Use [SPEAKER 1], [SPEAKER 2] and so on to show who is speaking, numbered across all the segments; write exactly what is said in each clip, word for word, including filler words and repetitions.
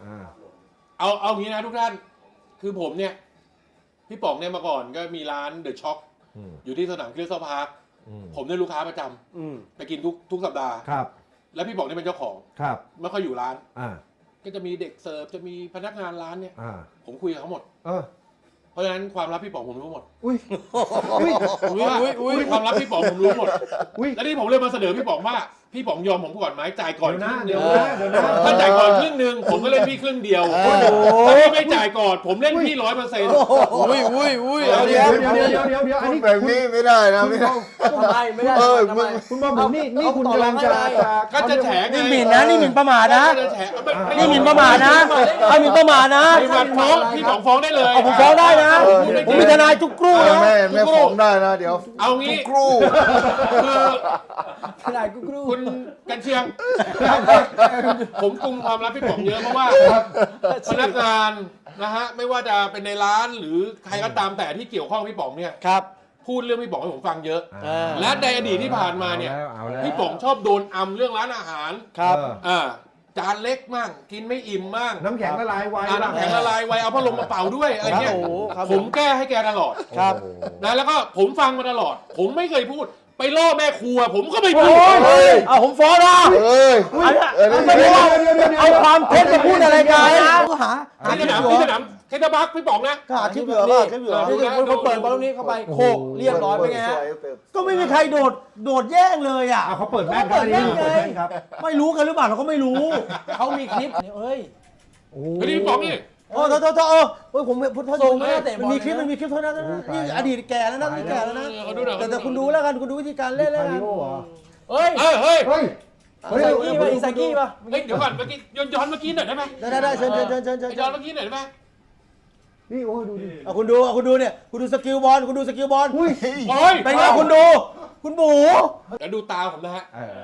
[SPEAKER 1] เอาเอางี้นะทุกท่านคือผมเนี่ยพี่ป๋องเนี่ยมาก่อนก็มีร้านเดอะช็อคอยู่ที่สนามคริสตัลพาร์คผมได้ลูกค้าประจำไปกินทุกทุกสัปดาห์
[SPEAKER 2] ครับ
[SPEAKER 1] แล้วพี่ป๋องเนี่ยเป็นเจ้าของ
[SPEAKER 2] ครับ
[SPEAKER 1] ไม่ค่อยอยู่ร้าน
[SPEAKER 2] อ่า
[SPEAKER 1] ก็จะมีเด็กเสิร์ฟจะมีพนักงานร้านเนี่ย
[SPEAKER 2] อ่า
[SPEAKER 1] ผมคุยกับเขาหมด
[SPEAKER 2] เออ
[SPEAKER 1] เพราะฉะนั้นความลับพี่ป๋องผมรู้หมด
[SPEAKER 2] อุ้ย
[SPEAKER 1] อุ้ยอุ้ยอุ้ยความลับพี่ป๋องผมรู้หมดแล้วนี่ผมเลยมาเสนอพี่ป๋องว่าพี่ป๋องยอมผมก่อนไหมจ่ายก่อนครึ่งเดียวถ้าจ่ายก่อนครึ่งหนึ่งผมก็เล่นพี่ครึ่งเดียวถ้าพี่ไม่จ่ายก่อนผมเล่นพี่ร้อยเปอร์เซ็นต์
[SPEAKER 3] อุ้ยอุ้ยอุ้ย
[SPEAKER 2] เดี๋ยวเดี๋ยวเดี๋ยวเดี๋ยวเดี๋ยวอันนี้
[SPEAKER 4] แบบนี้ไม่ได้นะไม่ได้
[SPEAKER 3] ทำไมไม่ได้
[SPEAKER 4] เออ
[SPEAKER 2] คุณบอกผมนี่นี่คุณกำลังจะ
[SPEAKER 1] ก็จะแฉ
[SPEAKER 3] นี่หมิ่นนะนี่หมิ่นประมาทนะนี่หมิ่นประมาทนะไอ้หมิ่นประมาทนะ
[SPEAKER 1] พี่ฟ้องพี่ป๋องฟ้องได้เลย
[SPEAKER 3] ผมฟ้องได้นะผมมีทนายทุกครู่นะ
[SPEAKER 4] แม่แม่ฟ้องได้นะเดี๋ยว
[SPEAKER 1] เอางี้
[SPEAKER 4] ครู่
[SPEAKER 1] คือ
[SPEAKER 3] ทนายทุกครู่
[SPEAKER 1] คุณกันเชียงผมกุมความลับพี่ป๋องเยอะเพราะว่าพนักงานนะฮะไม่ว่าจะเป็นในร้านหรือใครก็ตามแต่ที่เกี่ยวข้องพี่ป๋องเนี่ย
[SPEAKER 3] ครับ
[SPEAKER 1] พูดเรื่องพี่ป๋องให้ผมฟังเยอะและในอดีตที่ผ่านมาเนี่ยพี่ป๋องชอบโดนอำเรื่องร้านอาหาร
[SPEAKER 3] ครับ
[SPEAKER 1] อ่าจานเล็กมั่งกินไม่อิ่มมั่ง
[SPEAKER 2] น้ำแข็งละลายไว
[SPEAKER 1] น้ำแข็งละลายไวเอาพัดลมมาเป่าด้วยอะไรเงี้ยผมแก้ให้แกตลอด
[SPEAKER 3] ครับ
[SPEAKER 1] นะแล้วก็ผมฟังมาตลอดผมไม่เคยพูดไปล่อแม่ครัวผมก็ไม่พูด
[SPEAKER 3] เอาผมฟ้องนะ
[SPEAKER 4] เอ้ย
[SPEAKER 3] ไม่ได้เอาความเท็จมาพูดอะไรกันหาหา
[SPEAKER 1] ที่สนามที่สนามเคทบักพี่ป๋องนะ
[SPEAKER 3] หาคลิปเหลือป่ะคลิปเหลือนี่คนเปิดบอลลูนนี้เข้าไปโคกเรียบร้อยไปไงฮะก็ไม่มีใครโดดโดดแย่งเลยอ่ะ
[SPEAKER 2] เขาเปิดแม่ครับนี่เปิดแม่ครับ
[SPEAKER 3] ไม่รู้กันหรือเปล่าเราก็ไม่รู้เขามีคลิปเฮ้ย
[SPEAKER 1] โอ้ยพี่ป๋องนี่
[SPEAKER 3] โอ้โทษโทษโทษเออเฮ้ยผมพูดโทษส่งไม่ได้แต่มันมีคลิปมันมีคลิปเท่านั้นนี่อดีตแก่แล้วนะนี่แก่แล้วนะแต่แต่คุณดูแล้วกันคุณดูวิธีการเล่นแล้วกัน
[SPEAKER 1] เฮ้ยเฮ้ยเฮ้ย
[SPEAKER 2] เฮ้ย
[SPEAKER 3] เฮ้ยอิซากิป่ะอิซากิป่ะ
[SPEAKER 1] เฮ้ยเดี๋ยวก่อนเมื่อกี้ย้อนย้อนเมื่อกี้หน่อยได้ไหม
[SPEAKER 3] ได้ได้ได้เชิญเชิญเชิญเชิญเชิญ
[SPEAKER 1] ย้อนเมื่อกี้หน่อยได้ไหม
[SPEAKER 2] นี่โอ้ดูดิ
[SPEAKER 3] เอาคุณดูเอาคุณดูเนี่ยคุณดูสกิลบอลคุณดูสกิลบอล
[SPEAKER 2] อุ้ย
[SPEAKER 1] โอ้ย
[SPEAKER 3] เป็นไงคุณดูคุณบู
[SPEAKER 1] เดี๋ยวดูตาผมนะฮะ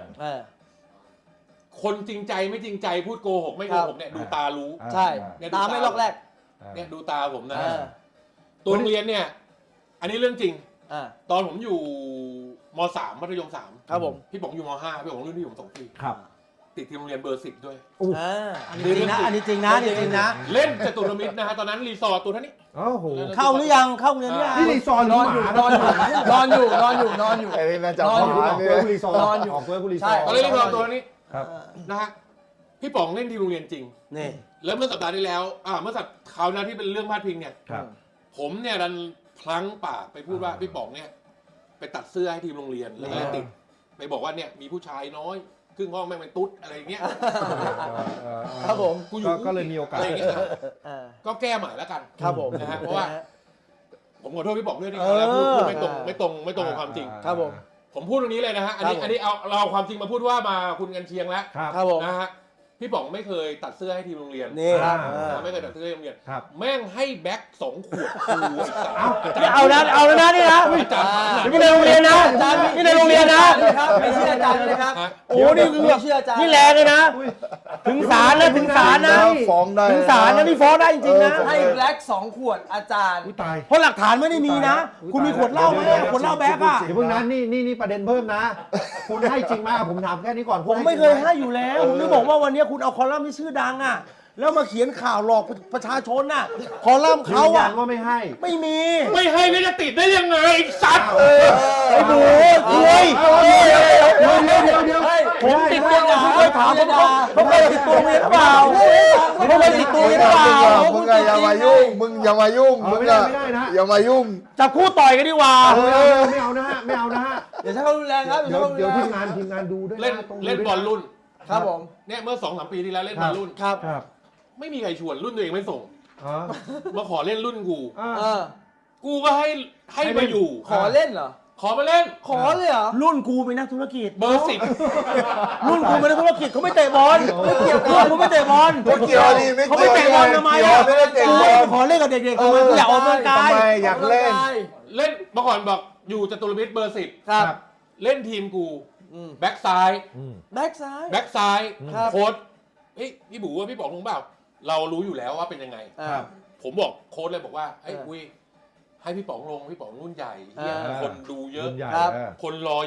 [SPEAKER 1] คนจริงใจไม่จริงใจพูดโกหกไม่โกหกเนี่ยดูตารู้
[SPEAKER 3] ใช่ตาไม่ลอกแรก
[SPEAKER 1] เนี่ยดูตาผมนะตัวโรงเรียนเนี่ยอันนี้เรื่องจริงตอนผมอยู่ม.สาม มัธยมสาม
[SPEAKER 3] ครับผม
[SPEAKER 1] พี่ป๋องอยู่ม.ห้าพี่ป๋องรุ่นที่ผมสองปี
[SPEAKER 2] ครับ
[SPEAKER 1] ติดทีมโรงเรียนเบอร์สิบด้วย
[SPEAKER 3] อ่าอันนี้จริงนะอันนี้จริงนะจริงนะ
[SPEAKER 1] เล่นจตุรมิตรนะฮะตอนนั้นรีสอร์ทตัวท่านี้
[SPEAKER 2] โอ้โห
[SPEAKER 3] เข้าหรือยังเข้าเรียนหรือยัง
[SPEAKER 2] นี่รีสอร์ท
[SPEAKER 3] นอนอยู่นอนอยู่นอนอยู่นอนอยู่นอนอยู่
[SPEAKER 4] ไอ้นี่น่าจะ
[SPEAKER 2] นอนอยู่รีสอร์ท
[SPEAKER 3] นอนอยู่
[SPEAKER 2] ออกเพื่อกุรีสอร์ท
[SPEAKER 1] ตอนเล่นรีสอร์ทตัวนี้
[SPEAKER 2] ครับ
[SPEAKER 1] นะฮะพี่ป๋องเล่นทีมโรงเรียนจริง
[SPEAKER 3] นี่
[SPEAKER 1] แล้วเมื่อสัปดาห์ที่แล้วอ่าเมื่อสัปดาห์คราวหน้าที่เป็นเรื่องพาดพิงเนี่ยผมเนี่ยดันพลั้งปากไปพูดว่าพี่ป๋องเนี่ยไปตัดเสื้อให้ทีมโรงเรียนแล้วก็ติดไปบอกว่าเนี่ยมีผู้ชายน้อยครึ่งห้องแม่งเป็นตุ๊ดอะไรอย่างเงี้ย
[SPEAKER 3] ครับผม
[SPEAKER 1] กูอยู่
[SPEAKER 2] ก็เลยมีโอกาสอะไรอย่างเงี้ย
[SPEAKER 1] ก็แก้ใหม่แล้วกัน
[SPEAKER 3] ครับผม
[SPEAKER 1] นะฮะเพราะว่าผมขอโทษพี่ป๋องด้วยที่แล้วพูดไม่ตรงไม่ตรงไม่ตรงกับความจริง
[SPEAKER 3] ครับผม
[SPEAKER 1] ผมพูดตรงนี้เลยนะฮะอันนี้อันนี้เอาเราความจริงมาพูดว่ามาคุณกันเชียงแล้ว
[SPEAKER 3] ครับผม
[SPEAKER 1] นะฮะพี่ป๋องไม่เคยตัดเสื้อให้ทีมโรงเรียน
[SPEAKER 3] นี่
[SPEAKER 1] ไม่เคยตัดเสื้อให้โรงเรียนแม่งให้แบ็คสองขวด
[SPEAKER 3] เอานะเอาแล้วนะนี่นะนี่ในโรงเรียนนะนี่ในโรงเรียนนะไม่เชื่ออาจารย์เลยครับโอ้นี่คือนี่แรงเลยนะถึงศาลนะถึงศาลนะ
[SPEAKER 4] ฟ้องได้
[SPEAKER 3] ถึงศาลนะนี่ฟ้องได้จริงๆนะ
[SPEAKER 5] ให้แบล็คสองขวดอาจารย์
[SPEAKER 3] เพราะหลักฐานไม่ได้มีนะคุณมีขวดเหล้าไหมขวดเหล้าแบ็คอ่ะ
[SPEAKER 2] เดี๋ยวเพิ่งนั้นนี่นี่นี่ประเด็นเพิ่มนะคุณให้จริงไหมผมถามแค่นี้ก่อน
[SPEAKER 3] ผมไม่เคยให้อยู่แล้วผมจะบอกว่าวันนี้คุณเอาคอลัมน์ที่ชื่อดังอ่ะแล้วมาเขียนข่าวหลอกประชาชนน่ะคอลัมน์เขาอ่ะ
[SPEAKER 2] ว่าไม่ให้
[SPEAKER 3] ไม่มี
[SPEAKER 1] ไม่ให้แล้วจะติดได้ยังไงสัตว์
[SPEAKER 3] ไอ้บูคุยเดี๋ยวเดี๋ยวเดี๋ยวเดี๋ยวผมติดตัวผมเคยถามผมเขาเคยติดตัวเมียหรือเปล่าเขาเคยติดตัวเมียหรือเปล่า
[SPEAKER 4] มึงอย่ามายุ่งมึงอย่ามายุ่งมึงอย่าอย่ามายุ่ง
[SPEAKER 3] จับคู่ต่อยกันดีกว่า
[SPEAKER 2] ไม่เอานะฮะไม่เอานะฮะ
[SPEAKER 5] เดี๋ยวใช้ความรุนแรงครับ
[SPEAKER 2] เดี๋ยวเดี๋ยวทีมงานทีมงานดูด้วย
[SPEAKER 1] เล่นเล่นบอลรุ่น
[SPEAKER 3] ครับผม
[SPEAKER 1] เนี่ยเมื่อสองสามปีที่แล้วเล่นบอลรุ่น
[SPEAKER 3] ครับ
[SPEAKER 1] ไม่มีใครชวนรุ่นตัวเองไม่ส่งมาขอเล่นรุ่นกูกูก็ให้ให้มาอยู่
[SPEAKER 5] ขอเล่นเหรอ
[SPEAKER 1] ขอมาเล่น
[SPEAKER 5] ขอเลยเหรอ
[SPEAKER 3] รุ่นกูเป็นนักธุรกิจ
[SPEAKER 1] เบอร์สิบ
[SPEAKER 3] รุ่นกูเป็นนักธุรกิจเขาไม่เตะบอลไม่เกี่ยวกันเขาไม่เตะบอล
[SPEAKER 4] ไม่เกี่ยวดิ
[SPEAKER 3] เขาไม่เตะบอลทำไมอ่ะ
[SPEAKER 4] ไม่ได้เตะบอล
[SPEAKER 3] ขอเล่นกับเด็กๆทำไมอยากออกกำลังกาย
[SPEAKER 4] อยากเล่น
[SPEAKER 1] เล่นเมื่อก่อนบอกอยู่จตุรมิตรเบอร์สิบ
[SPEAKER 3] ครับ
[SPEAKER 1] เล่นทีมกูแบ็กซ้าย
[SPEAKER 3] แบ็กซ้าย
[SPEAKER 1] แบ็กซ้ายโค้ชเฮ้ยพี่บู๋ว่าพี่บอกลุงเปล่าเรารู้อยู่แล้วว่าเป็นยังไงผมบอกโค้ชเลยบอกว่าไอ้อุ้ยให้พี่ป๋องลงพี่ป๋องรุ่นใหญ่คนดูเยอะคนรอเยอะ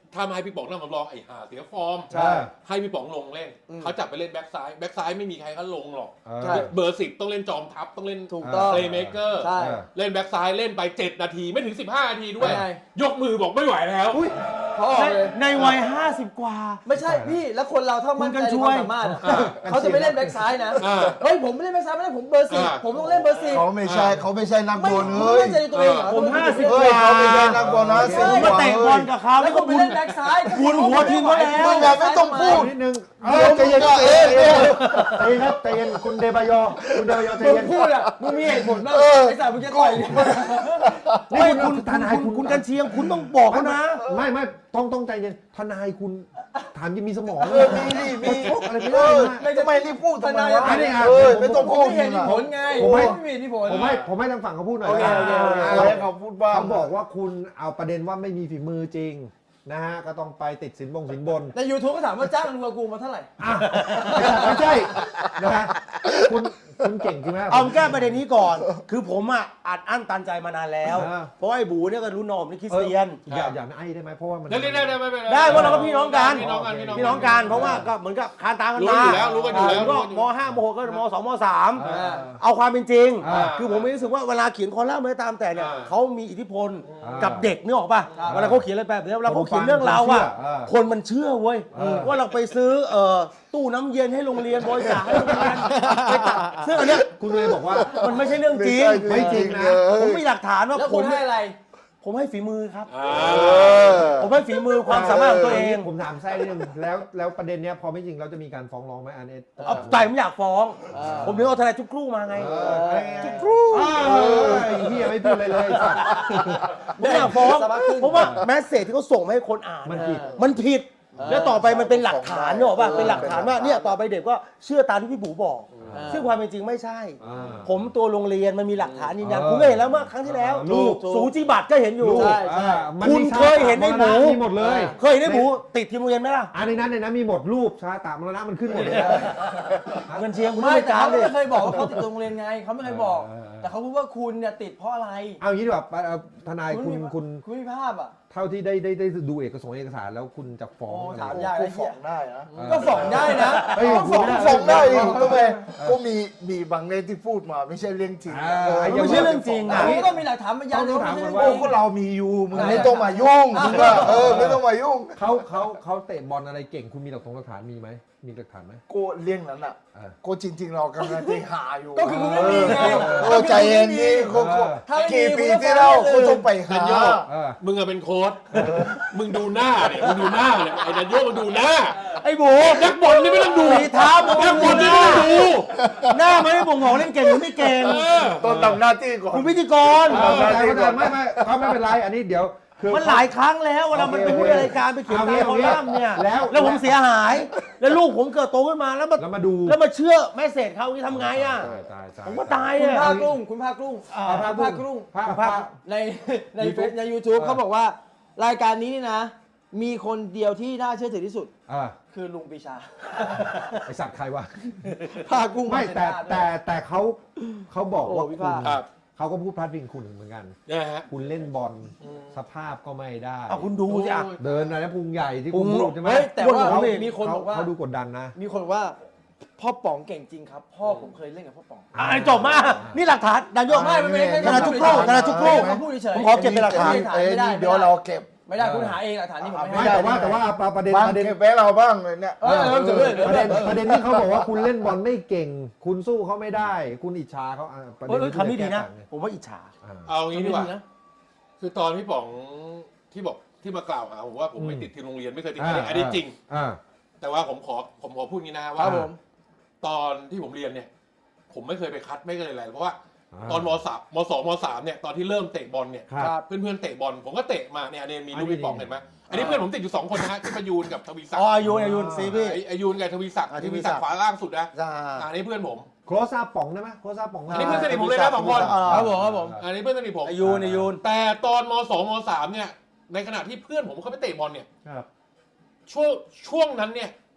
[SPEAKER 1] ถ้ามาให้พี่ป๋องนั่งสำรองไอ้ห่าเสียฟอร์ม
[SPEAKER 2] ใช่
[SPEAKER 1] ให้พี่ป๋องลงเล่นเขาจับไปเล่นแบ็กซ้ายแบ็กซ้ายไม่มีใครเขาลงหรอก
[SPEAKER 2] ใช่
[SPEAKER 1] เบอร์สิบต้องเล่นจอมทัพต้องเล่น
[SPEAKER 5] ถูกต้อง
[SPEAKER 1] เพลย์เมเกอร์
[SPEAKER 5] ใช่
[SPEAKER 1] เล่นแบ็กซ้ายเล่นไปเจ็ดนาทีไม่ถึงสิบห้านาทีด้วย
[SPEAKER 5] เป็นไง
[SPEAKER 1] ยกมือบอกไม่ไหวแล้ว
[SPEAKER 5] เขาออกเลย
[SPEAKER 3] ในวัยห้าสิบกว่า
[SPEAKER 5] ไม่ใช่พี่แล้วคนเราถ้ามั่นใจในความสามารถอะ
[SPEAKER 1] อ่า
[SPEAKER 5] เขาจะไม่เล่นแบ็คซ้ายนะ
[SPEAKER 1] อ่า
[SPEAKER 5] เฮ้ยผมไม่เล่นแบ็คซ้ายไม่ได้ผมเบอร์สิบ
[SPEAKER 1] อ่า
[SPEAKER 5] ผมต้องเล่นเบอร์สิบ
[SPEAKER 4] เขาไม่ใช่เขาไม่ใช่นัก
[SPEAKER 5] ไม่
[SPEAKER 4] บอล
[SPEAKER 5] คุณ
[SPEAKER 4] เฮ้ย
[SPEAKER 5] ไม่มั่นใจในตัวเองเหรอ
[SPEAKER 3] ผมห้าสิบ
[SPEAKER 4] เฮ้ยเขาไม่ใช่นักบอลนะ
[SPEAKER 3] ผมมาเตะบอลกับเขา
[SPEAKER 5] แล้
[SPEAKER 3] แล้ว ว
[SPEAKER 5] คุ
[SPEAKER 3] ก็
[SPEAKER 5] ณไป
[SPEAKER 3] บุญ
[SPEAKER 5] เล่นแบ็คซ้าย
[SPEAKER 3] บุญหัวทีมเขาแล้ว
[SPEAKER 4] มึงอย่าไม่ต้องพูด
[SPEAKER 2] นิดนึง
[SPEAKER 4] เออใจเย็นใจเย็น
[SPEAKER 2] ใจเย็นครับใจเย็นคุณเดบายอคุณเดบายอใจ
[SPEAKER 5] มึง
[SPEAKER 2] เย็น
[SPEAKER 5] พูดอ่ะมึงมีเหตุผลบ้าง
[SPEAKER 4] เออ
[SPEAKER 5] ไอ้สารมึงจะต่อยเนี่ย
[SPEAKER 2] นี่คุณ
[SPEAKER 3] คุณ
[SPEAKER 2] ทนาย
[SPEAKER 3] คุ
[SPEAKER 2] คุณ
[SPEAKER 3] ณคุณกันเชียงคุณต้องบอกเขานะ
[SPEAKER 2] ไม่ไม่ต้องต้องใจเย็นทนายคุณถามยังมีสมอง
[SPEAKER 4] เออมีนี่มี
[SPEAKER 2] ชกอะไรไม่
[SPEAKER 4] เอ
[SPEAKER 2] ได้
[SPEAKER 4] อ
[SPEAKER 2] นะ
[SPEAKER 4] ทำไมรีบพูดทำไมวะ
[SPEAKER 2] อันนี้อ่ะ
[SPEAKER 4] เออไม่ต้อง
[SPEAKER 5] ผม
[SPEAKER 4] พูด
[SPEAKER 5] ไม่เห็น
[SPEAKER 4] นะ
[SPEAKER 5] ผลไง
[SPEAKER 2] ผมไม่
[SPEAKER 5] ไม่มีเหตุผล
[SPEAKER 2] ผมให้ผมให้ทางฝั่งเขาพูดหน่อย
[SPEAKER 5] โอเคโอเคโอเค
[SPEAKER 4] อะไรให้เขาพูดบ้าง
[SPEAKER 2] เขาบอกว่าคุณเอาประเด็นว่าไม่มีฝีมือจริงนะฮะก็ต้องไปติดสินบงสินบน
[SPEAKER 5] ใน YouTube ก็ถามว่าจ้างรัวกูมาเท่าไหร่
[SPEAKER 2] อ่ะไม่ใช่นะฮะคุณคุณเก่งจริงไหม
[SPEAKER 3] เอาแก้ประเด็นนี้ก่อน คือผมอ่ะอัดอั้นตันใจมานานแล้ว
[SPEAKER 2] อ่า
[SPEAKER 3] เพราะว่าไอ้บูเนี่ยก็รู้นอมนี่คริสเตียน
[SPEAKER 2] อย่าอย่าไอ้ได้ไหมเพราะว่ามัน
[SPEAKER 1] ได้ได้ได้ไม่เป็นไร
[SPEAKER 3] ได้เพราะเราก็พี่น้องกัน
[SPEAKER 1] พี่น้องกัน
[SPEAKER 3] พี่น้องกันเพราะว่าก็เหมือนกับคานตามกัน
[SPEAKER 1] รู้
[SPEAKER 3] มา
[SPEAKER 1] อยู่แล้วรู้กันอยู่แล้ว
[SPEAKER 3] ก็
[SPEAKER 1] รู้กันอยู่
[SPEAKER 3] มห้ามหกก็มสองมสาม
[SPEAKER 2] อ่า
[SPEAKER 3] เอาความเป็นจริง
[SPEAKER 2] อ่า
[SPEAKER 3] คือผมไม่รู้สึกว่าเวลาเขียนคอลัมน์อะไรตามแต่เนี่ย
[SPEAKER 1] อ่า
[SPEAKER 3] เขามีอิทธิพล
[SPEAKER 2] อ่า
[SPEAKER 3] กับเด็กนึกออกป่ะ
[SPEAKER 5] อ่า
[SPEAKER 3] เวลาเขาเขียนอะไรแบบนี้เวลาเขาเขียนเรื่องราวอ่ะ
[SPEAKER 2] อ่า
[SPEAKER 3] คนมันเชื่อเว้ย
[SPEAKER 2] อ่า
[SPEAKER 3] ว่าเราไปซื้อเอ่อตู้น้ำเย็นให้โรงเรียนบริจาคให้โรงเรียนไปตัดซึ่งอันเนี้ย
[SPEAKER 2] คุณเลยบอกว่า
[SPEAKER 3] มันไม่ใช่เรื่องจริง
[SPEAKER 2] ไม่จริงนะ
[SPEAKER 3] ผมมีหลักฐานว่า
[SPEAKER 5] แล้ว
[SPEAKER 3] ผ
[SPEAKER 5] คุ
[SPEAKER 3] ม
[SPEAKER 5] ณให้อะไร
[SPEAKER 3] ผมให้ฝีมือครับ
[SPEAKER 1] อ่า
[SPEAKER 4] เออ
[SPEAKER 3] ผมให้ฝีมือความสามารถของตัวเอง
[SPEAKER 2] ผมถามแทรกนิดนึงแล้วแล้วประเด็นเนี้ยพอไม่จริงเราจะมีการฟ้องร้องไหมอันนี้
[SPEAKER 3] เอาใจผมอยากฟ้อง
[SPEAKER 5] เออ
[SPEAKER 3] ผมถึงเอาทนายจุกครู่มาไง
[SPEAKER 2] เออจุกครูไอ้เหี้ยไม่พูดเลยเลยสัตว์
[SPEAKER 3] ผมอยากฟ้อง
[SPEAKER 5] สบายขึ้น
[SPEAKER 3] เพราะว่าแมสเซจที่เขาส่งมาให้คนอ่าน
[SPEAKER 2] มันผิด
[SPEAKER 3] มันผิด
[SPEAKER 5] เออ
[SPEAKER 3] แล้วต่อไปมันเป็นหลักฐานเนกอะป่ะ
[SPEAKER 4] เออ
[SPEAKER 3] เป็นหลักฐานว่าเนี่ยต่อไปเด็กก็เชื่อตามที่พี่บูบอก
[SPEAKER 5] เออ
[SPEAKER 3] ซึ่งความเป็นจริงไม่ใช่
[SPEAKER 2] อ่า
[SPEAKER 3] ผมตัวโรงเรียนมันมีหลักฐานยืนยัน
[SPEAKER 2] เออ
[SPEAKER 3] คุณก็เห็นแล้วเมื่อครั้งที่แล้ว
[SPEAKER 2] ลูก
[SPEAKER 3] สูจิบัตรก็เห็นอยู่
[SPEAKER 2] ลูก
[SPEAKER 5] ใช่ใช่
[SPEAKER 2] อ่ามัน
[SPEAKER 3] คุณ
[SPEAKER 2] มี
[SPEAKER 3] เคยเห็นไอ้หมู
[SPEAKER 2] มีหมดเลย
[SPEAKER 3] เคยเห็นไอ้บูติดทีมโรงเรียนไหมล่ะ
[SPEAKER 2] อันในนั้นในนั้นมีหมดรูปชาตามรณะมันขึ้นหมดเลยนะ
[SPEAKER 3] เงินเชียงคุณ
[SPEAKER 5] ไม่
[SPEAKER 3] ไม่
[SPEAKER 5] แต่
[SPEAKER 3] การ
[SPEAKER 5] เขา
[SPEAKER 3] เลย
[SPEAKER 5] ไม่เคยบอกว่าเขาติดโรงเรียนไงเขาไม่เคยบอก
[SPEAKER 2] เออเออ
[SPEAKER 5] แต่เขาพูดว่าคุณเนี่ยติดเพราะอะไร
[SPEAKER 2] เอางี้ดีกว่าเอ่อทนายคุณ
[SPEAKER 5] มี
[SPEAKER 2] คุณ
[SPEAKER 5] คุณมีภาพอ่ะ
[SPEAKER 2] เท่าที่ได้ได้ได้ดูเอกสารเอกสารแล้วคุณจะฟ้อง
[SPEAKER 5] โอ้
[SPEAKER 2] อะไร
[SPEAKER 5] ถาม
[SPEAKER 2] ไหม
[SPEAKER 5] ยาก
[SPEAKER 4] กูฟ้องได้นะ
[SPEAKER 5] ก็ฟ้องได้นะ
[SPEAKER 2] เฮ้ย
[SPEAKER 5] ก็ฟ้อง
[SPEAKER 2] คุณไม่ได้
[SPEAKER 4] ฟ้องได้อีกทำไมก็มีมีบางเรื่องที่พูดมาไม่ใช่เรื่องจริง
[SPEAKER 2] อ่า
[SPEAKER 4] เออ
[SPEAKER 3] ไม่ใช่เรื่องจริง
[SPEAKER 5] อั
[SPEAKER 3] อ่ะ
[SPEAKER 5] นนี้ก็มีหลักฐานมายัน
[SPEAKER 2] ต้องถามก่อน
[SPEAKER 5] ไใช่
[SPEAKER 2] ว่า
[SPEAKER 4] โอ้ก็เรามีอยู่มึงไม่ต้องมายุ่งมึงอะเออไม่ต้องมายุ่ง
[SPEAKER 2] เขาเขาเขาเตะบอลอะไรเก่งคุณมีหลักฐานหลักฐานมีไหมมีหลักฐานไหม
[SPEAKER 4] กูเรื่องนั้นอ่ะ
[SPEAKER 2] เออ
[SPEAKER 4] กูจริง ๆ เรากำลังที่หาอยู่
[SPEAKER 5] ก็คือคุณไม่มีไง
[SPEAKER 4] โอ้ใจเย็นดิกูกู
[SPEAKER 5] ถ้าไม่มี
[SPEAKER 4] กี่ปี
[SPEAKER 5] คุณก็
[SPEAKER 4] ที่แล้ว
[SPEAKER 5] ฟ้องได้เลย
[SPEAKER 4] กูต้องไปหา
[SPEAKER 1] ดันโยก
[SPEAKER 2] เออ
[SPEAKER 1] มึงอะเป็นโค้ชมึงดูหน้าเนี่ยมึงดูหน้าเนี่ยไอ้ดันโยกมึงดูหน้า
[SPEAKER 3] ไอ้บู
[SPEAKER 1] นักบอลนี่ไม่ต้องดู
[SPEAKER 3] สีเท้ามึง
[SPEAKER 1] นักบอลนี่ไม่ต้องดู
[SPEAKER 3] หน้ามันไม่บ่งบอกเล่นเก่งหรือไม่เก่ง
[SPEAKER 1] เออ
[SPEAKER 4] ต้องทำหน้าที่ก่อน
[SPEAKER 3] คุณพิธีกร
[SPEAKER 2] เออเข้าใจเข้าใจไม่ไม่เขาไม่เป็นไรอันนี้เดี๋ยวคือ
[SPEAKER 3] มันหลายครั้งแล้วเวลามันไปพูดในรายการไปเขียนตามคอลัมน์เนี่ย
[SPEAKER 2] แล้ว
[SPEAKER 3] แล้วผมเสียหาย แล้วลูกผมเกิดโตขึ้นมาแล้วมา
[SPEAKER 2] แล้วมาดู
[SPEAKER 3] แล้วมาเชื่อแม่เศษเขาที่ทำไงอ่ะ
[SPEAKER 2] ตายตายตาย
[SPEAKER 3] ผมก็ตาย
[SPEAKER 5] คุณ
[SPEAKER 3] อ่ะ
[SPEAKER 5] ภาครุ่งคุณภาครุ่ง
[SPEAKER 2] อ่า
[SPEAKER 5] คุณภาครุ่ง
[SPEAKER 2] ภาพภาพ
[SPEAKER 5] ในในเฟซใน YouTube เขาบอกว่ารายการนี้นี่นะ มีคนเดียวที่น่าเชื่อถือที่สุด
[SPEAKER 2] อ่า
[SPEAKER 5] คือลุงปีชา
[SPEAKER 2] ไอสัตว์ใครวะ
[SPEAKER 5] ภาคกุ้ง
[SPEAKER 2] ไม่แต่แต่แต่เขาเขาบอกว่า
[SPEAKER 5] โอ้วิ
[SPEAKER 2] คุณ
[SPEAKER 5] พากษ์
[SPEAKER 1] ครับ
[SPEAKER 2] เขาก็พูดพลาดพิงคุณเหมือนกัน
[SPEAKER 1] นะฮะ
[SPEAKER 2] คุณเล่นบอลสภาพก็ไม่ได้
[SPEAKER 3] เอาคุณดูสิอ่ะ
[SPEAKER 2] เดินอะไรนะพุงใหญ่ที่
[SPEAKER 3] พุ
[SPEAKER 2] คุณ
[SPEAKER 3] ง
[SPEAKER 2] พูดใช่ไหม
[SPEAKER 5] เฮ้ยแต่ว่า
[SPEAKER 2] เขา
[SPEAKER 5] มีคนบอกว่า
[SPEAKER 2] เขาดูกดดันนะ
[SPEAKER 5] มีคนบอกว่าพ่อป๋องเก่งจริงครับ พ่อผมเคยเล่นกับพ่อป๋อง
[SPEAKER 3] อ่ะจบมา นี่หลักฐานดันโยก
[SPEAKER 5] ไม่ไม่ไม่ใช่
[SPEAKER 3] ธนาจุกโคกธนาจุกโคก
[SPEAKER 5] เขาพูดเฉย
[SPEAKER 3] ผมขอเก็บเป็นหลักฐาน
[SPEAKER 4] เอ้ยนี่เดี๋ยวเราเก็บ
[SPEAKER 5] ไม่ได้คุณหาเองหลักฐานนี้ผม
[SPEAKER 2] ไม่
[SPEAKER 5] ไม่ให้
[SPEAKER 2] แต่ว่าแต่ว่าประเด็น
[SPEAKER 4] บ้าง
[SPEAKER 2] ประเด็น
[SPEAKER 4] เก็บไว้เราบ้างเลยเนี่ย
[SPEAKER 5] เออเออเดี๋ยวเดี๋ยว
[SPEAKER 2] ประเด็น
[SPEAKER 5] เดี๋ยว
[SPEAKER 2] ประเด็นที่เขาบอกว่าคุณเล่นบอลไม่เก่ง คุณสู้เขาไม่ได้ คุณอิจฉาเขาอ่ะประ
[SPEAKER 3] เอ
[SPEAKER 2] เด็น
[SPEAKER 3] อคำนี้ดีนะ
[SPEAKER 2] แก้ต่างไง
[SPEAKER 3] ผมว่าอิจฉา
[SPEAKER 2] อ่า
[SPEAKER 1] เอางี้ดีกว่า
[SPEAKER 5] นะ
[SPEAKER 1] คือตอนพี่ป๋องที่บอกที่มากล่าวหาผมว่าผมไม่ติดทีมโรงเรียนไม่เคยติด
[SPEAKER 2] อ่า
[SPEAKER 1] อันนี้จริง
[SPEAKER 2] อ่า
[SPEAKER 1] แต่ว่าผมขอผมขอพูดงี้นะ
[SPEAKER 5] ค
[SPEAKER 1] ว่า
[SPEAKER 5] รับผม
[SPEAKER 1] ตอนที่ผมเรียนเนี่ย ผมไม่เคยไปคัดไม่เคยอะไรเพราะว่า
[SPEAKER 2] อ่า
[SPEAKER 1] ตอนมสามมสองมสามเนี่ยตอนที่เริ่มเตะบอลเนี่ย
[SPEAKER 2] ครับ
[SPEAKER 1] เพื่อนๆเตะบอลผมก็เตะมาเนี่ยอันนี้มีลูก
[SPEAKER 2] อันนี้
[SPEAKER 1] พี่ป๋องเห็นไหมอันนี้เพื่อนผมติดอยู่สองคนนะฮะที่ประยูนกับทวีศัก
[SPEAKER 3] อ๋อ
[SPEAKER 1] ดิ์
[SPEAKER 3] อายุอายุซีพี่
[SPEAKER 1] ไอ้ไอายูนกับทวีศักดิ์
[SPEAKER 3] อ่า
[SPEAKER 1] ทวีศักดิ์ขวาล่างสุดนะ
[SPEAKER 4] จ้า
[SPEAKER 1] อันนี้เพื่อนผม
[SPEAKER 2] โครซาป๋องได้ไหมโครซาป๋อง
[SPEAKER 1] อันนี้เพื่อนสนิทผมเลยนะสองคน
[SPEAKER 5] ครับผมครับผม
[SPEAKER 1] อันนี้เพื่อนสนิทผม
[SPEAKER 3] อายุอายุ
[SPEAKER 1] แต่ตอนมสองมสามเนี่ยในขณะที่เพื่อนผมเขาไปเตะบอลเนี่ย
[SPEAKER 2] ครับ
[SPEAKER 1] ช่วงช่วงนั้นเนี่ย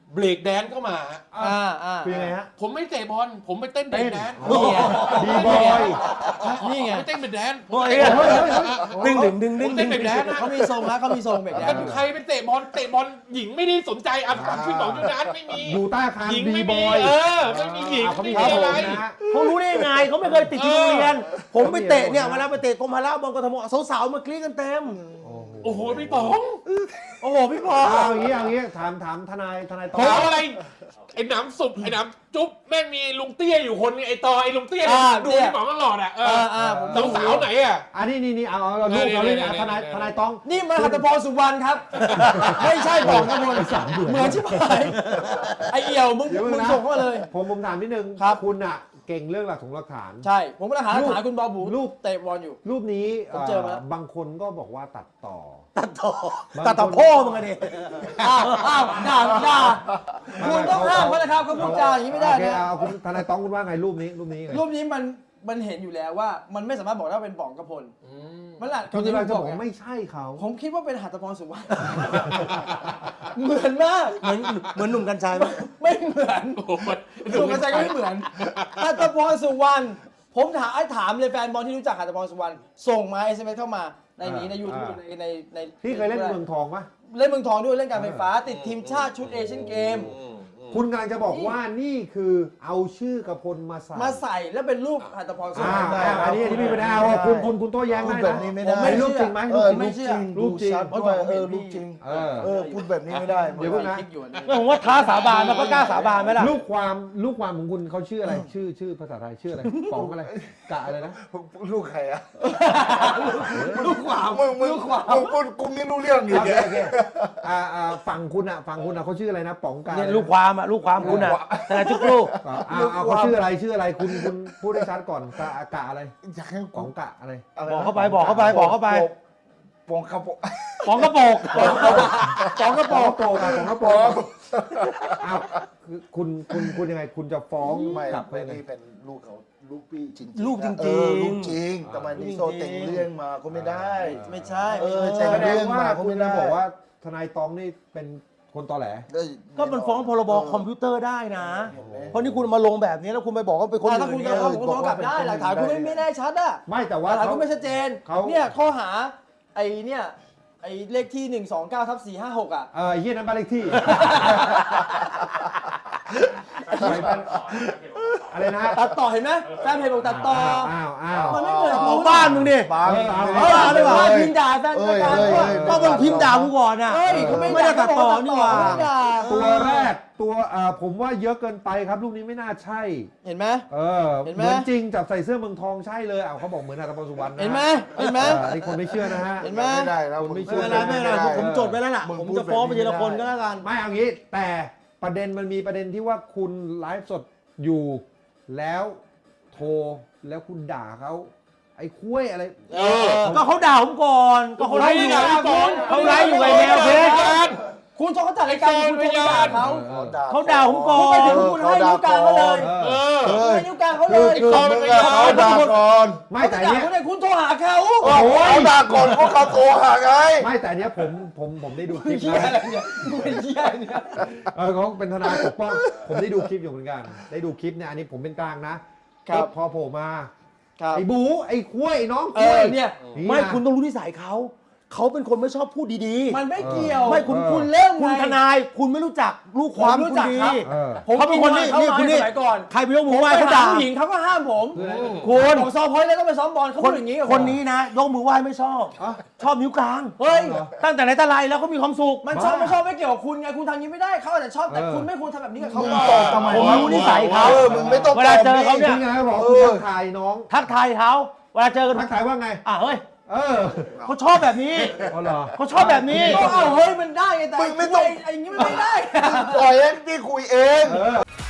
[SPEAKER 1] เบรกแดนซ์เข้ามาฮะ
[SPEAKER 5] อ่าอ่า
[SPEAKER 2] คือยังไงฮะ
[SPEAKER 1] ผมไม่เตะบอลผมไปเต้นเบรกแดนซ์
[SPEAKER 3] นี่ไง
[SPEAKER 2] บีบอย
[SPEAKER 5] นี่ไง
[SPEAKER 1] ไปเต้นเบรกแดนซ์
[SPEAKER 3] โอ้ยดึงดึงดึงดึง
[SPEAKER 1] เต้นเบรกแดนซ์นะ
[SPEAKER 5] เขามีทรงนะเขามีทรงแบบนี้
[SPEAKER 1] แล้วใครไปเตะบอลเตะบอลหญิงไม่ได้สนใจอ่ะพี่ป๋องยูนานไม่มี
[SPEAKER 2] อยู่ใต้อาคาร
[SPEAKER 1] หญิง
[SPEAKER 2] บี
[SPEAKER 1] ไม่
[SPEAKER 2] บ
[SPEAKER 1] มี
[SPEAKER 2] อย
[SPEAKER 1] เออไม่มีหญิง
[SPEAKER 2] เขา
[SPEAKER 1] ไม่
[SPEAKER 2] มี
[SPEAKER 1] มี
[SPEAKER 2] ครับ
[SPEAKER 1] อะไร
[SPEAKER 2] ผมนะฮะ
[SPEAKER 3] เขารู้ได้ยังไงเขาไม่เคยติดที่โรงเรียน ผมไปเตะเนี่ยเวลาไปเตะกรมพละบอลกทมสาวๆมากรี๊ดกันเต็ม
[SPEAKER 1] โอ้โหพี่ป๋อง
[SPEAKER 3] โอ้โหพี่พอ
[SPEAKER 2] เอาอย่างนี้เอาอย่างนี้ถามถามทนายทนายตอ
[SPEAKER 1] ถามอะไรไอ้หนำสุบไอ้หนำจุ๊บแม่งมีลุงเตี้ยอยู่คนนึงไอ้ตอไอ้ลุงเตี้ยเนี่ย
[SPEAKER 5] อ่า
[SPEAKER 1] ดู
[SPEAKER 5] เนี่ย
[SPEAKER 1] พี่ป๋องตลอดอ่ะเอ
[SPEAKER 5] อ่า
[SPEAKER 1] อ
[SPEAKER 5] อ่าผม
[SPEAKER 1] สาวสาวไหนอ่ะ
[SPEAKER 2] อันนี้นี่นี่เอาเอาเอาลูกเอาเลย
[SPEAKER 1] เนี่ย
[SPEAKER 2] ทนาย
[SPEAKER 1] เนี่ย
[SPEAKER 2] ทนายต้อง
[SPEAKER 5] นี่มันหัตถพรสุวรรณครับ ไม่ใช่บอกนะมนเหมือนชิบหายไอเอี่ยวมึง
[SPEAKER 2] เดี๋ยวมึง
[SPEAKER 5] มึง
[SPEAKER 2] นะ
[SPEAKER 5] ส่งเข้ามาเลย
[SPEAKER 2] ผมผมถามนิดนึง
[SPEAKER 5] ครับ
[SPEAKER 2] คุณอ่ะเก่งเรื่องหลักของหลักฐาน
[SPEAKER 5] ใช่ ผมกำลังหาหลักฐานคุณบอบู
[SPEAKER 2] รูป
[SPEAKER 5] เตะบอลอยู่
[SPEAKER 2] รูปนี้
[SPEAKER 5] ผมเจอมาแล้ว
[SPEAKER 2] บางคนก็บอกว่าตัดต่อ
[SPEAKER 3] ตัดต่อ
[SPEAKER 2] มัน
[SPEAKER 3] ตัดต่อพ่อมึงอะดิ
[SPEAKER 5] อ้าวอ้าวด่าด่าคุณต้องห้ามเขานะครับเขาพูดจาอย่างนี้ไม่ได้
[SPEAKER 2] โอเค
[SPEAKER 5] นะ
[SPEAKER 2] เอาคุณทนายต้องคุณว่าไงรูปนี้รูปนี้ไง
[SPEAKER 5] รูปนี้มันมันเห็นอยู่แล้วว่ามันไม่สามารถบอกได้ว่าเป็นป๋องกระพลมันหละ
[SPEAKER 2] คุณ
[SPEAKER 5] ที่
[SPEAKER 2] กำลังจะ
[SPEAKER 5] บบ อ
[SPEAKER 2] อก ก
[SPEAKER 5] ไง
[SPEAKER 2] ไม่ใช่เขา
[SPEAKER 5] ผมคิดว่าเป็นหัตถพรสุวรรณเหมือนมาก
[SPEAKER 3] เหมือนเหมือนหนุ่มกัญชัยไหม
[SPEAKER 5] ไม่เหมือน
[SPEAKER 1] โอ้โหมัน
[SPEAKER 5] สุกระจายก็ไม่เหมือนหัตถพรสุวรรณผมถามไอ้ถามเลยแฟนบอลที่รู้จักหัตถพรสุวรรณส่งมา เอส เอ็ม เอส เข้ามาในนี้ในยูทูบในในใน
[SPEAKER 2] พี่เคยเล่นเมืองทองปะ
[SPEAKER 5] เล่นเมืองทองด้วยเล่นการไฟฟ้า ติดทีมชาติชุดเอเชียนเกม
[SPEAKER 2] คุณกำลังจะบอกว่านี่คือเอาชื่อกระพลมาใส่
[SPEAKER 5] มาใส่แล้วเป็นรูปหัตถพรสุวร
[SPEAKER 2] อ่าร
[SPEAKER 5] ณ
[SPEAKER 2] อ่าอันนี้อันนี้มีปัญหาว่าคุณคุณคุณโต้แย้ง
[SPEAKER 4] พูด
[SPEAKER 2] ได้
[SPEAKER 4] แบ
[SPEAKER 2] นะ
[SPEAKER 4] บนี้ไม่ได้
[SPEAKER 5] ผมไม่
[SPEAKER 2] รูปจริงไหม
[SPEAKER 4] เอ
[SPEAKER 2] รูป
[SPEAKER 4] อ
[SPEAKER 2] จริง
[SPEAKER 4] รูปจริง
[SPEAKER 2] รู
[SPEAKER 4] รู
[SPEAKER 2] ป
[SPEAKER 4] ป
[SPEAKER 2] จริง
[SPEAKER 4] ชัดด้วยเออรูปจริง
[SPEAKER 2] เออ
[SPEAKER 4] เออพูดแบบนี้ไม่ได้
[SPEAKER 2] เดี๋ยวก่อนนะ
[SPEAKER 5] คลิปอยู่อันนี้
[SPEAKER 3] ผมว่าท้าสาบานมันก็กล้าสาบานไหมล่ะ
[SPEAKER 2] ลูกความลูกความของคุณเขาชื่ออะไร ชื่อชื่อภาษาไทยชื่ออะไรป๋องอะไรกะอะไรนะ
[SPEAKER 4] ลูกใครอะ
[SPEAKER 5] ลูกขวาม
[SPEAKER 4] มึงมึง
[SPEAKER 5] ลูกขวาม
[SPEAKER 4] มึงพูดกูไม่รู้เรื่องอี
[SPEAKER 2] โอก เคโอเคอ่าอ่าฝั่งคุณอ่ะฝั่งคุณอ่ะเขาชื่ออะไรนะป๋องกะ
[SPEAKER 3] เนี่ยลูกความอ่ะลูกความคุณอ่ะทนายทุกลูก
[SPEAKER 2] อ่าเอาเอาเขาชื่ออะไรชื่ออะไรคุณคุณพูดให้ชัดก่อนกะกะอะไร
[SPEAKER 4] อยากให้
[SPEAKER 2] ป๋องกะอะไร
[SPEAKER 4] ะรนะ
[SPEAKER 3] บอกเข้าไปบอกเข้าไปบอกเข้าไป
[SPEAKER 4] ปองกระโปง
[SPEAKER 3] ป๋องกระโปกป๋องกระโป
[SPEAKER 2] ป๋อง
[SPEAKER 3] ก
[SPEAKER 2] กระโปรงอ่ะป๋องกระโปรงอ้าวคือคุณคุณคุณยังไงคุณจะฟ้อง
[SPEAKER 4] ไม่
[SPEAKER 2] กลับไป
[SPEAKER 4] ไม่
[SPEAKER 2] ยังไง
[SPEAKER 4] นี่เป็นลูกเขาลูกพี่จริงๆ
[SPEAKER 3] ลูกจริงๆ
[SPEAKER 4] เออลูกจริงแต่มันนี่โซเต็งเรื่องมาก็ไม่ได้
[SPEAKER 5] ไม่ใช่
[SPEAKER 4] เออ
[SPEAKER 5] ไม่
[SPEAKER 4] ใช่
[SPEAKER 5] ใช่
[SPEAKER 2] แสดงว่าคุณจะบอกว่าทนายตองนี่เป็นคนตอแหล
[SPEAKER 4] ได้
[SPEAKER 3] ก็มันฟ้องพรบคอมพิวเตอร์ได้นะ เพราะนี่คุณมาลงแบบนี้แล้วคุณไปบอกว่าเป็นคน
[SPEAKER 5] อ่า
[SPEAKER 3] อื่
[SPEAKER 5] ถ้าคุณ
[SPEAKER 3] น
[SPEAKER 5] จะ
[SPEAKER 3] เนี่ย
[SPEAKER 5] ฟ้องผมก็ฟ้องกลับได้หลักฐานคุณไม่ไม่แน่ชัดอะ
[SPEAKER 2] ไม่แต่
[SPEAKER 5] ห
[SPEAKER 2] ว่า
[SPEAKER 5] ลักฐาน
[SPEAKER 2] เขา
[SPEAKER 5] คุณไม่ชัดเจน
[SPEAKER 2] เขา
[SPEAKER 5] เนี่ยข้อหาไอ้เนี่ยไอ้เลขที่หนึ่งสองเก้าทับสี่ห้าหกอ่ะ
[SPEAKER 2] เออไอ้เฮียนั้นบ้านเลขที่ อะไรนะ
[SPEAKER 5] ตัดต่อเห็นไหมแฟนเพจบอกตัดต่อ
[SPEAKER 2] อ้าวอ้าว
[SPEAKER 5] มันไม่เหมือน
[SPEAKER 3] ของบ้านมึงดิ
[SPEAKER 4] บาง
[SPEAKER 2] เออเอา
[SPEAKER 5] เออเอาเลยว่าพิมพ์ด่าแฟนรายการ
[SPEAKER 4] เอ้ย
[SPEAKER 5] ว่า
[SPEAKER 4] เอ้ย
[SPEAKER 3] ก็มึงพิมพ์ด่ากูก่อนอ่ะ
[SPEAKER 5] เฮ้ยเขาไม่
[SPEAKER 3] ไม่ได้ตัดต่อนี่หว่า
[SPEAKER 5] ไม่ได้ด่า
[SPEAKER 2] ตัวแรกตัวเอ่อผมว่าเยอะเกินไปครับลูกนี้ไม่น่าใช่
[SPEAKER 5] เห็นไหม
[SPEAKER 2] เออ
[SPEAKER 5] เห็น
[SPEAKER 2] เห
[SPEAKER 5] ไหม
[SPEAKER 2] มือนจริงจับใส่เสื้อเมืองทองใช่เลยอ้าวเขาบอกเหมือนอาตมาสุวรรณนะ
[SPEAKER 5] เห็นไหมเห็นไหม
[SPEAKER 2] เออไอ้คนไม่เชื่อนะฮะ
[SPEAKER 5] เห็นไหม
[SPEAKER 4] ไม่ได้แล้ว
[SPEAKER 2] คุณไม่
[SPEAKER 3] ไม่เป็นไรไม่เป็นไรผมผมจดไว้แล้วล่ะ
[SPEAKER 4] มึง
[SPEAKER 3] ผม
[SPEAKER 4] พูด
[SPEAKER 3] จะฟ้องไป
[SPEAKER 4] แบบนี้
[SPEAKER 3] ทีละคน
[SPEAKER 4] ไม่
[SPEAKER 3] ก็
[SPEAKER 4] ได้
[SPEAKER 3] แล้วกัน
[SPEAKER 2] ไม่เอางี้แต่ประเด็นมันมีประเด็นที่ว่าคุณไลฟ์สดอยู่ แล้วโทรแล้วคุณด่าเขาไอ้คุ้ยอะไร
[SPEAKER 5] เออ
[SPEAKER 3] ก็เขาด่าผมก่อนก็เขาไล่อยู่
[SPEAKER 5] ไม่ได้ด่า
[SPEAKER 3] เขาไล่อยู่ไงแมวเพชร
[SPEAKER 5] คุณชอบเขาจัดรายการคุณชอบด่าเขา
[SPEAKER 3] เขาด่าผมก่อน
[SPEAKER 5] คุณไปถึงคุณให้นิ้วกลางเขาเลย
[SPEAKER 2] เออ
[SPEAKER 1] เออ
[SPEAKER 5] ให้นิ้วกลางเขาเล
[SPEAKER 4] คือย คือมึงอะเขาด่าก่อน
[SPEAKER 2] ไม่
[SPEAKER 5] เขา
[SPEAKER 2] แต่
[SPEAKER 5] ด่า
[SPEAKER 2] เนี้ย
[SPEAKER 5] คุณเนี่ยคุณโทรหาเขา
[SPEAKER 4] โอ้โหเขาด่าก่อนเพราะเขาโทรหาไง
[SPEAKER 2] ไม่แต่เนี้ยผมผมผมได้ดูคลิป
[SPEAKER 5] เหี้ย
[SPEAKER 2] นะ
[SPEAKER 5] อะไรเนี่ยมึงเป็นเหี้ยเนี่ย
[SPEAKER 2] เออเขาเป็นทนายปกป้องผมได้ดูคลิปอยู่เหมือนกัน ได้ดูคลิปเนี่ยอันนี้ผมเป็นกลางนะครับ พอโผล่มา
[SPEAKER 5] ครับ
[SPEAKER 2] ไอ้บูไอ้คุ้ยไอ้น้อง
[SPEAKER 5] เอ
[SPEAKER 2] คุ้
[SPEAKER 5] อย เนี่ย
[SPEAKER 2] นี่นะ
[SPEAKER 3] ไม่คุณต้องรู้นิสัยเขาเขาเป็นคนไม่ชอบพูดดีๆ
[SPEAKER 5] มันไม่เกี่ยว
[SPEAKER 3] ไม่คุณ
[SPEAKER 2] เออ
[SPEAKER 3] คุณเริ่มคุณทนายคุณไม่รู้จักลูกความ
[SPEAKER 5] ผมรู้
[SPEAKER 3] คุณ
[SPEAKER 5] จัก
[SPEAKER 3] ดี
[SPEAKER 5] ครับ
[SPEAKER 2] เออ
[SPEAKER 5] ผม
[SPEAKER 3] เขาเป็นคนนี่
[SPEAKER 5] เขา
[SPEAKER 3] นี่
[SPEAKER 5] มา
[SPEAKER 3] คุณนี่
[SPEAKER 5] สมัยก่อน
[SPEAKER 3] ใครไปยกมื
[SPEAKER 5] ผ
[SPEAKER 3] อ
[SPEAKER 5] ม
[SPEAKER 3] ไหว้
[SPEAKER 5] ไป
[SPEAKER 3] เขา
[SPEAKER 5] หา
[SPEAKER 3] ด่า
[SPEAKER 5] ผู้หญิงเขาก็ห้ามผม
[SPEAKER 3] คุณ
[SPEAKER 5] บอกซอพอยต์แล้วต้องไปซ้อมบอลเขา
[SPEAKER 3] ค
[SPEAKER 5] พู
[SPEAKER 3] น
[SPEAKER 5] ดอย่างนี้กับผม
[SPEAKER 3] คนนี้นะยกมือไหว้ไม่ชอบ
[SPEAKER 2] อ่ะ
[SPEAKER 3] ชอบนิ้วกลาง
[SPEAKER 5] เฮ้ย
[SPEAKER 3] ตั้งแต่ไหนแต่ไรแล้วเขามีความสุข
[SPEAKER 5] มันชอบไม่ชอบไม่เกี่ยวกับคุณไงคุณทำอย่างนี้ไม่ได้เขาอาจจะชอบแต่คุณไม่ควรทำแบบนี้กับเขา
[SPEAKER 4] มึง
[SPEAKER 5] ก่อน
[SPEAKER 4] ตอบทำไม
[SPEAKER 3] ผม
[SPEAKER 4] วะ
[SPEAKER 3] รู้นิสัยเขา
[SPEAKER 4] เออมึงไม่ต้อง
[SPEAKER 3] เวลาเจอเขาเนี่ย
[SPEAKER 2] นี่ไงบอกคุณทักทายน้อง
[SPEAKER 3] ทักทายเขาเวลาเจอกัน
[SPEAKER 2] ทักทายว่าไง
[SPEAKER 3] อ่ะเฮ้ย
[SPEAKER 2] เออ
[SPEAKER 3] เขาชอบแบบนี้
[SPEAKER 2] อ๋อเหรอ
[SPEAKER 3] เขาชอบแบบนี้
[SPEAKER 5] ก็เอาเฮ้ยมันได้ไงแต่
[SPEAKER 4] มึงไม่ต้อง
[SPEAKER 5] ไอ้อย่างนี้มันไม่ได้
[SPEAKER 4] ปล่อยให้พี่คุยเอง
[SPEAKER 2] เออ